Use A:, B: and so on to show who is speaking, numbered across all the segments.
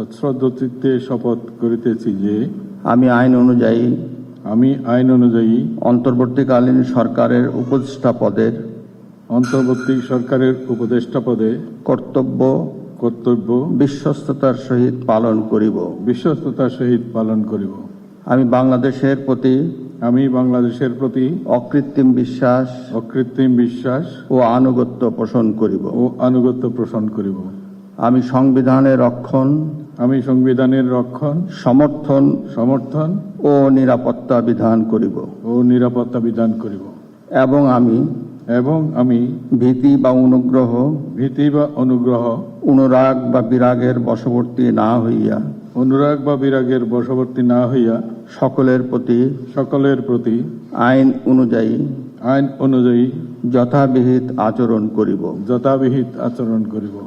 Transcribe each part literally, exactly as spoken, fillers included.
A: সশ্রদ্ধ চিত্তে শপথ করিতেছি যে
B: আমি আইন অনুযায়ী
A: আমি আইন অনুযায়ী
B: অন্তর্বর্তীকালীন সরকারের উপদেষ্টা পদের
A: অন্তর্বর্তী সরকারের উপদেষ্টা পদে
B: কর্তব্য
A: কর্তব্য
B: বিশ্বস্ততার সহিত পালন করিব।
A: বিশ্বস্ততার সহিত পালন করিব।
B: আমি বাংলাদেশের প্রতি
A: আমি বাংলাদেশের প্রতি
B: অকৃত্রিম বিশ্বাস
A: অকৃত্রিম বিশ্বাস
B: ও আনুগত্য পোষণ করিব
A: ও আনুগত্য পোষণ করিব।
B: আমি সংবিধানের রক্ষণ
A: আমি সংবিধানের রক্ষণ
B: সমর্থন
A: সমর্থন
B: ও নিরাপত্তা বিধান করিব
A: ও নিরাপত্তা বিধান করিব
B: এবং আমি
A: এবং আমি
B: ভীতি বা অনুগ্রহ
A: ভীতি বা অনুগ্রহ
B: অনুরাগ বা বিরাগের বশবর্তী না হইয়া
A: অনুরাগ বা বিরাগের বশবর্তী না হইয়া
B: সকলের প্রতি
A: সকলের প্রতি
B: আইন অনুযায়ী
A: আইন অনুযায়ী
B: যথাবিহিত আচরণ করিব
A: যথাবিহিত আচরণ করিব।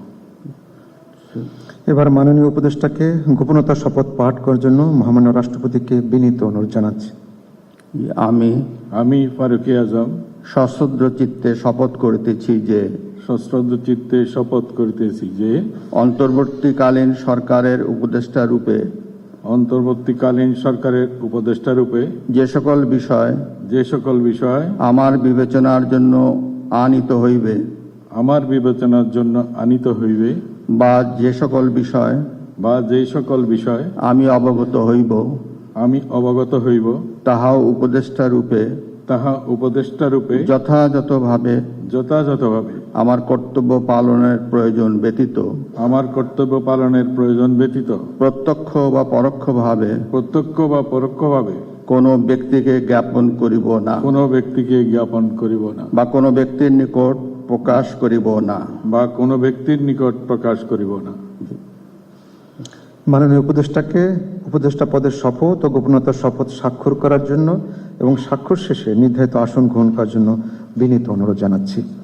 C: এবার মাননীয় উপদেষ্টাকে গোপনতার শপথ পাঠ করার জন্য মহামান্য রাষ্ট্রপতিকে বিনীত অনুরোধ জানাচ্ছি।
B: আমি
A: আমি ফারুকী আজম
B: সশ্রদ্ধ চিত্তে শপথ করিতেছি যে
A: সশ্রদ্ধ চিত্তে শপথ করিতেছি যে
B: অন্তর্বর্তীকালীন সরকারের উপদেষ্টা রূপে
A: অন্তর্বর্তীকালীন সরকারের উপদেষ্টা রূপে
B: যে সকল বিষয়
A: যে সকল বিষয়
B: আমার বিবেচনার জন্য আনিত হইবে
A: আমার বিবেচনার জন্য আনিত হইবে
B: বা যে সকল বিষয়
A: বা যে সকল বিষয়
B: আমি অবগত হইব
A: আমি অবগত হইব
B: তাহাও উপদেষ্টা রূপে
A: তাহা উপদেষ্টা রূপে
B: যথাযথভাবে
A: যথাযথভাবে
B: আমার কর্তব্য পালনের প্রয়োজন ব্যতীত
A: আমার কর্তব্য পালনের প্রয়োজন ব্যতীত
B: প্রত্যক্ষ বা পরোক্ষভাবে
A: প্রত্যক্ষ বা পরোক্ষভাবে
B: কোনো ব্যক্তিকে জ্ঞাপন করিব না
A: কোনো ব্যক্তিকে জ্ঞাপন করিব না
B: বা কোনো ব্যক্তির নিকট প্রকাশ করিব না
A: বা কোনো ব্যক্তির নিকট প্রকাশ করিব না।
C: মাননীয় উপদেষ্টাকে উপদেষ্টা পদের শপথ ও গোপনতার শপথ স্বাক্ষর করার জন্য এবং স্বাক্ষর শেষে নির্ধারিত আসন গ্রহণ করার জন্য বিনীত অনুরোধ জানাচ্ছি।